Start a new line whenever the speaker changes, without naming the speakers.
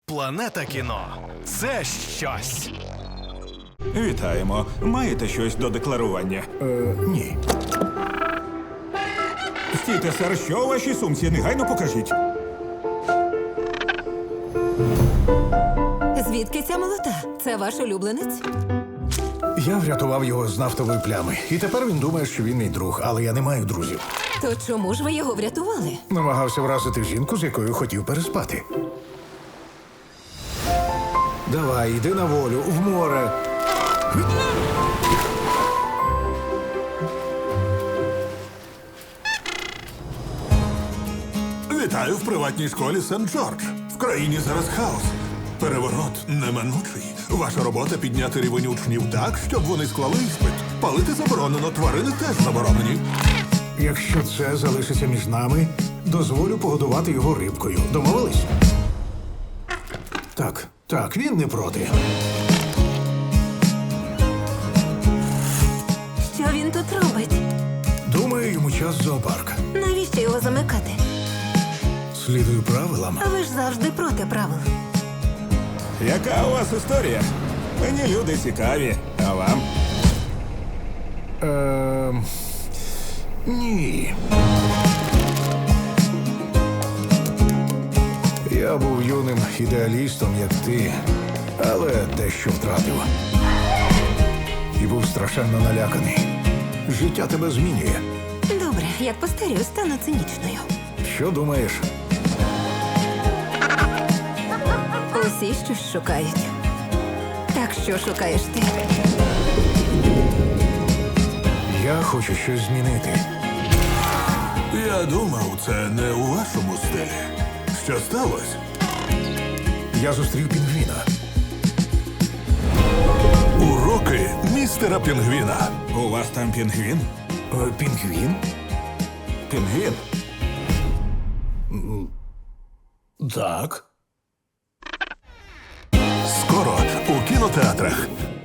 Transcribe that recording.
Планета кіно – це щось.
Вітаємо. Маєте щось до декларування?
Ні.
Стійте, сер, що у вашій сумці? Негайно покажіть.
Звідки ця молота? Це ваш улюбленець?
Я врятував його з нафтової плями. І тепер він думає, що він мій друг, але я не маю друзів.
То чому ж ви його врятували?
Намагався вразити жінку, з якою хотів переспати. Давай, йди на волю, в море.
Вітаю в приватній школі Сент-Джордж. В країні зараз хаос. Переворот неминучий. Ваша робота — підняти рівень учнів так, щоб вони склали іспит. Палити заборонено, тварини теж заборонені.
Якщо це залишиться між нами, дозволю погодувати його рибкою. Домовились? Так, він не проти.
Що він тут робить?
Думаю, йому час в зоопарк.
Навіщо його замикати?
Слідую правилам.
А ви ж завжди проти правил.
Яка у вас історія? Мені люди цікаві. А вам?
Ні. Я був юним ідеалістом, як ти, але дещо втратив. І був страшенно наляканий. Життя тебе змінює.
Добре, як постарію, стану цинічною.
Що думаєш?
Усі щось шукають. Так що шукаєш ти?
Я хочу щось змінити.
Я думав, це не у вашому стилі. Що сталося?
Я зустрів пінгвіна.
Уроки містера Пінгвіна.
У вас там пінгвін?
Пінгвін?
Пінгвін?
Так.
Скоро у кінотеатрах.